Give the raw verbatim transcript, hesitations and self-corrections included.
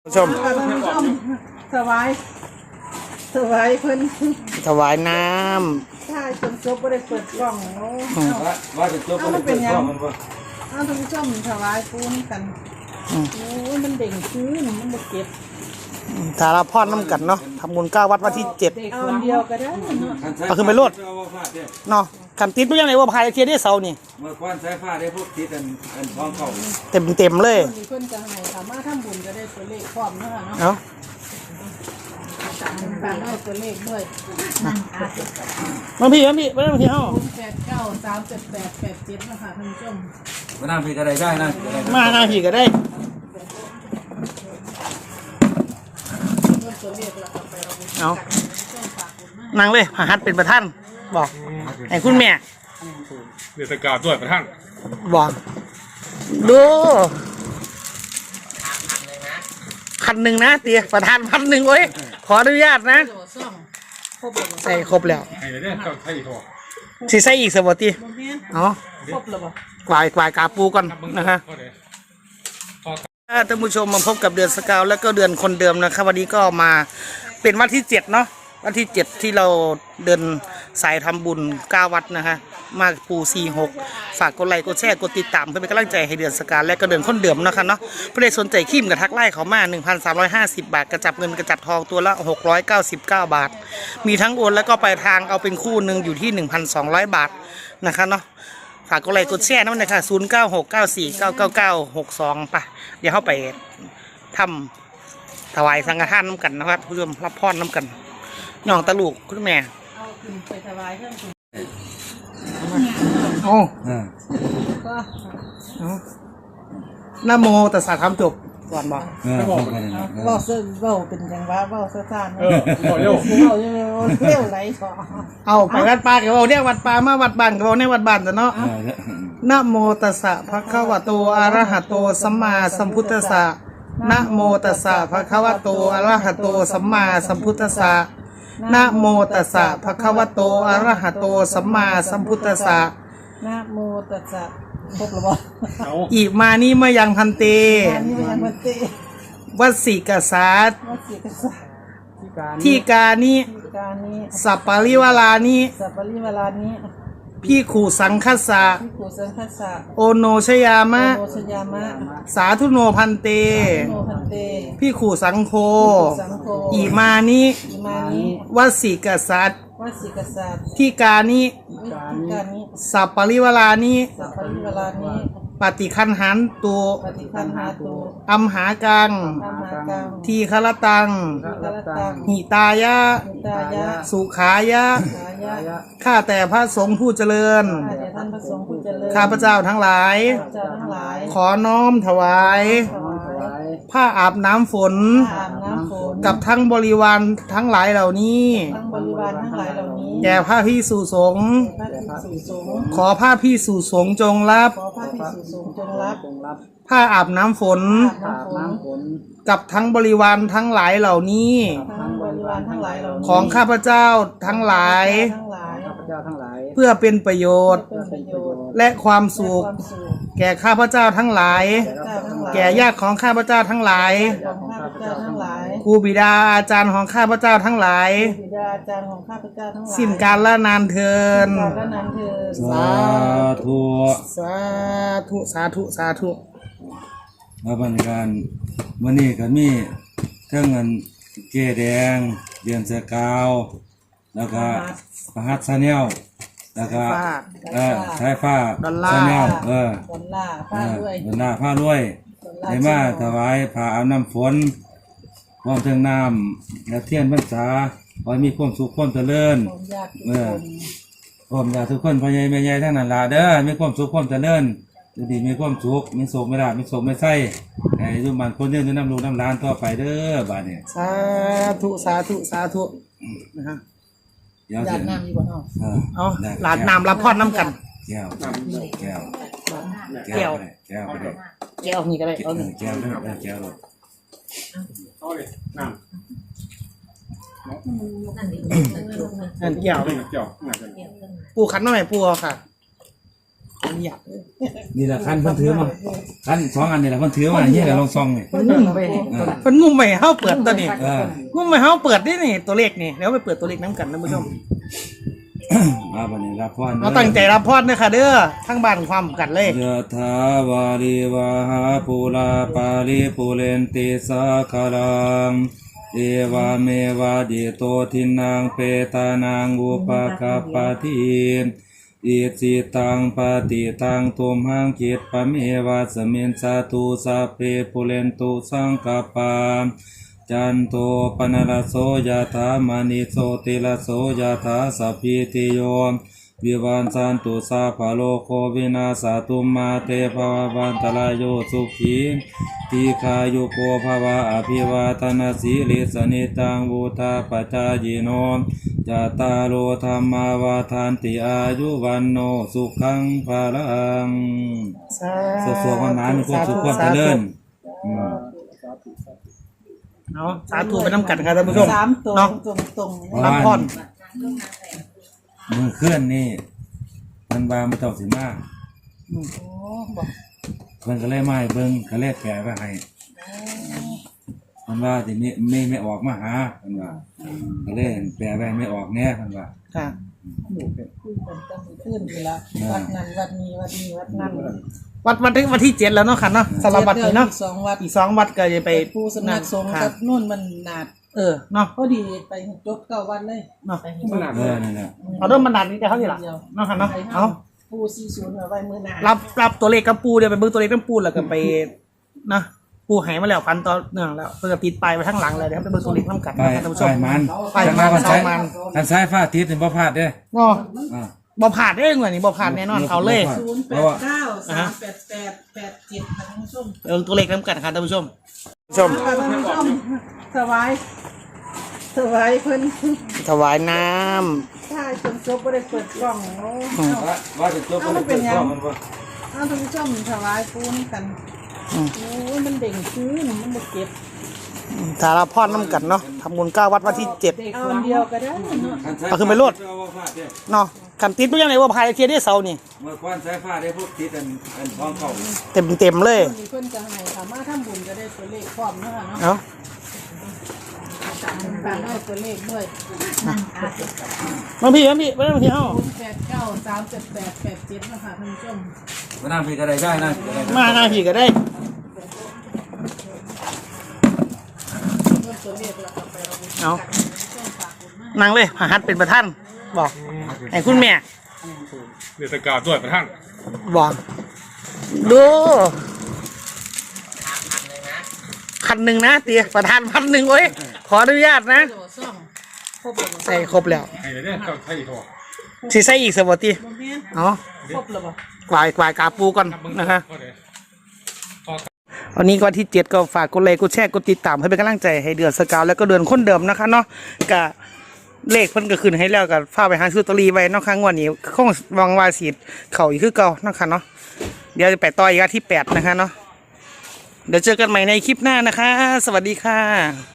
ชมถวายถวายเพิ่นถวายน้ำถ้าจนจบก็ได้เปิดกล้องโอ้ว่าจะจบก็ได้เปิดกล้องมันว่าเอาท่านผู้ชมถวายปูนกันโอ้ยมันเด่งชื้นมันบ่เก็บสารพรน้ำกันเนาะทำบุญเก้าวัดวันที่เจ็ดเอาเดียวก็ได้เอาขึ้นไปโลดเนาะขันติดไม่ยังไงว่าพายเทียได้เสานี่เมื่อควันสายฟ้าได้พวกติดอันอันท้องเก่าเต็มเต็มเลยเพิ่นจะให้สามารถทำบุญก็ได้ตัวเลขพร้อมเนาะเนาะฝากได้ตัวเลขด้วยมาพี่มาพี่มาพี่เฮาแปดเก้าสามเจ็ดแปดแปดเจ็ดนะคะท่านผู้ชมมานั่งพี่ก็ได้ได้นะมาหน้าพี่ก็ได้เอานั่งเลยพระหัตถ์เป็นประธานบอกไอ้คุณแม่เดือดกาด้วยประท่านบอกดูพันหนึ่งนะเตี๋ยประธานพันหนึ่งเว้ยขออนุญาตนะใส่ครบแล้วไอ้เนี่ยเจ้าไทยทอสิใส่อีกสวัสดีเนาะครบแล้วบ่กวายกวายกาปูก่อนนะคะท่านผู้ชมมาพบกับเดือนสกาวแล้วก็เดือนคนเดิมนะครับวันนี้ก็มาเป็นวันที่เจ็ดเนาะวันที่เจ็ดที่เราเดินสายทำบุญเก้าวัดนะคะมาปูสี่หกฝากกดไลค์กดแชร์กดติดตามเพื่อเป็นกำลังใจให้เดือนสกาวและก็เดือนคนเดิมนะคะเนาะเพื่อได้สนใจขีมกับทักไล่เขามา หนึ่งพันสามร้อยห้าสิบ บาทกระจับเงินกระจับทองตัวละหกร้อยเก้าสิบเก้าบาทมีทั้งโอนแล้วก็ปลายทางเอาเป็นคู่หนึ่งอยู่ที่ หนึ่งพันสองร้อย บาทนะคะเนาะฝากกดไลค์กดแชร์นั่นนะคะศูนย์เก้าหกเก้าสี่เก้าเก้าเก้าหกสองป่ะเดี๋ยวเข้าไปทำถวายสังฆทานน้ำกันนะครับเพื่อรับพรน้ำกันน้องตะลูกคุณแม่เอาขึ้นไปถวายเพิ่มขึ้นโอ้ก็นะโมตัสสะทำจบก่อนบอกไม่บอกเบาเสื้อเบาเป็นอย่างว่าเบาเสื้อซ่านเออบอกเร็วเบาเร็วไรสอเอาไปวัดป่ากับเราเนี่ยวัดป่ามาวัดบ้านกับเราเนี่ยวัดบ้านแต่เนาะนะโมตัสสะภะคะวะโตอะระหะโตสัมมาสัมพุทธัสสะนะโมตัสสะภะคะวะโตอะระหะโตสัมมาสัมพุทธัสสะนะโมตัสสะภะคะวะโตอะระหะโตสัมมาสัมพุทธัสสะนะโมตัสสะครบหรือเปล่าอีกมานี้มายังพันเตวัดสิกษัตริย์ที่กานิสัปปะริวาลานิสัปปะริวาลานิพี่ขู่สังคัสสะพี่ขู่สังคัสสะโอโนชยามะโอโนชยามะสาธุโนพันเตพี่ขู่สังโฆอีมานิวัดสิกษัตริย์วัดสิกษัตริย์ที่กานิสัปปะริวาลานิสัปปะริวาลานิปฏิคันหันตุปฏิคันหาตุอัมหากังทีฆรตังหิตายะสุขายะข้าแต่พระสงฆ์ผู้เจริญข้าพเจ้าทั้งหลายขอน้อมถวายผ้าอาบน้ำฝนกับทั้งบริวารทั้งหลายเหล่านี้แก่พระภิกษุสงฆ์ขอพระภิกษุสงฆ์จงรับผ้าอาบน้ำฝนกับทั้งบริวารทั้งหลายเหล่านี้ของข้าพเจ้าทั้งหลายเพื่อเป็นประโยชน์และความสุขแก่ข้าพเจ้าทั้งหลายแก่ญาติของข้าพเจ้าทั้งหลายครูบิดาอาจารย์ของข้าพเจ้าทั้งหลายสิ้นกาลละนานเทินสาธุสาธุสาธุสาธุมาบรรยากาศวันนี้ก็มีเครื่องเงินเกแดงเดือนเสือกาวแล้วก็ประหัตซาเนลแล้วก็เออสายฟ้าซาเนลเออดอลลาร์ผ้าด้วยดอลลาร์ผ้าด้วยในมาถวายผ้าอาบน้ำฝนพร้อมเทิงน้ำและเทียนพรรษาขอให้มีความสุขความเจริญเออพร้อมญาติทุกคนพ่อใหญ่แม่ใหญ่ทั้งนั้นล่ะเด้อมีความสุขความเจริญจะดีมีความสุขมีโศกไม่ได้มีโศกไม่ใส่ไอ้ทุกมันคนเดินน้ำลูกน้ำร้านต่อไปเด้อบาดเนี่ยสาธุสาธุสาธุนะฮะหลาดน้ำอยู่บนห้องเอาหลาดน้ำรับพรน้ำกันแก้วแก้วแก้วแก้วก็ได้แก้วนี่ก็ได้เอาแก้วด้วยแก้วเลยเอาเลยน้ำนั่นแก้วเลยแก้วปูขันหน่อยปูค่ะเนี่ยนี่แหละคันเพิ่นถือมาคันสองอันนี่แหละเพิ่นถือมาเนี่ยแหละลองซองนี่มันนุ่มไปเพิ่นงุ่มไปเฮาเปิดตัวนี้เอองุ่มไปเฮาเปิดนี่นี่ตัวเลขนี่แล้วไปเปิดตัวเลขน้ำกันท่านผู้ชมมาบัดนี้รับพรเราตั้งใจรับพรเด้อค่ะเด้อทั้งบ้านความกันเลยยะถาวาริวาหาปุราปาริปุเรนติสาคารังเอวาเมวะดิโตทินังเปตานังอุปกัปปติอิจิตังปฏิตังตุมหังคิดปะเมวะสมินสาตุสัพเพปุเรนตุสังกปปาจันโตปนรสโสยถามณิโสติรสโสยถาสัพพิติโยวิวันสันตุสาภโลโควินาสตุมาเตภววันตรายโยสุขีทีขายุโกภวะอภิวาทนาสีลิสนิตังวุธาปจายิโนจตารโลธรรมาวาทานติอายุวันโนสุขังภาลังสวดๆวันนั้นมีความสุขความเจริญอืมเนาะสาธุไปน้ำกันครับท่านผู้ชมสามตรงเนาะตรงตรงรับพรมือเคลื่อนนี่มันบาไม่ต้องสิมากโอ้บอกเพิ่นก็เลยมาให้เบิ่งก็เลยแปลไว้ให้มันว่าทีนี้ไม่ไม่ออกมาหาเพิ่นว่าก็เลยแปลไว้ไม่ออกแน่เพิ่นว่าค่ะคุยกันตั้งขึ้นอยู่ละวัดนั้นวัดนี้วัดนี้วัดนั้นวัดวันที่วันที่เจ็ดแล้วเนาะค่ะเนาะสำหรับวัดนี้เนาะสองวัดอีกสองวัดก็จะไปไปผู้สำนักสงฆ์ค่ะกับนู่นมันหนาดเออเนาะพอดีไปจบเก้าวันเลยเนาะมันหนักเออนั่นแหละเอาเริ่มบรรดาลนี้จะเท่านี้ล่ะเนาะค่ะเนาะเอาผู้สี่ศูนย์เอาไว้มือหนารับรับตัวเลขกับปูเดี๋ยวไปเบิ่งตัวเลขกับปูแล้วก็ไปนะปูหายมาแล้วพันต่อเนื่องแล้วเพื่อติดปลายไปข้างหลังเลยเดี๋ยวไปเบิ่งตัวเลขน้ำกันไปนะท่านผู้ชไปมมันไปจังมัว่าน คันสอซ้าง ยมันคันซ้ายฟ้าทิศนี่บ่พลาดเด้อเนาะอ่าบ่ผ่านเองเหมือนนี่บ่ผ่านแน่นอนเอาเลยศูนย์แปดเก้าสามแปดแปดแปดเจ็ดค่ะท่านผู้ชมเออตัวเลขน้ำกันครับท่านผู้ชมชมค่ะท่านผู้ชมสบายสบายเพิ่นถวายน้ถ้าจนจบบ่ได้เปิดกล้องโอ้ว่าว่าจะจบบ่ได้เปิดข้อมันบ่เอาท่านผู้ชมสบายปูนกันำอืมโอ้ยมันเด่งชื้นมันบ่เก็บสารพรน้ำกันเนาะทำบุญเก้าวัดวันที่เจ็ดเอาอันเดียวก็ได้เนาะคันซ้ายเอาขึ้นไปโลดเอาบ่พลาดเด้อเนาะขันติดไม่ยังไงว่าพายเทียได้เสานี่เมื่อก่อนซ้ายฟ้าได้พวกทิศอันอันท้องเข้าเต็มเต็มๆเลยมีเพิ่นจะให้สามารถทำบุญก็ได้ตัวเลขพร้อมเนาะค่ะเนาะเนาะการได้ตัวเลขด้วยบางพี่บางพี่บางพี่เอ้าศูนย์แปดเก้าสามเจ็ดแปดแปดเจ็ดนะคะท่านผู้ชมมานั่งพี่ก็ได้ได้นะมาหน้าพี่ก็ได้ตัวเลขแล้วก็ไปเอาบุญเอาช่วงฝากบุญมานั่งเลยพาฮัดเป็นประธานบอกไอ้คุณแม่เดือดกาด้วยประท่านบอกดูพันหนึ่งนะเตียประธานพันหนึ่งโอ้ยขออนุญาตนะโดดซ่องครบแล้วบ่ใส่ครบแล้วไอ้เนี่ยเจ้าไทยทอสิใส่อีกสวัสดีบ่แม่นเอาครบแล้วบ่กวายกวายกาปูก่อนนะคะก็เลยวันนี้ก็วันที่เจ็ดก็ฝากกดไลค์กดแชร์กดติดตามให้เป็นกำลังใจให้เดือนสกาวแล้วก็เดือนคนเดิมนะคะเนาะกะเลขเพิ่นก็ขึ้นให้แล้วก็ฝากไปหาซื้อลอตเตอรี่ไว้เนาะครั้งวันนี้คงหวังว่าสิเข้าอีกคือเก่าเนาะค่ะเนาะเดี๋ยวจะไปต่ออีกอาทิตย์ที่แปดนะคะเนาะเดี๋ยวเจอกันใหม่ในคลิปหน้านะคะ สวัสดีค่ะ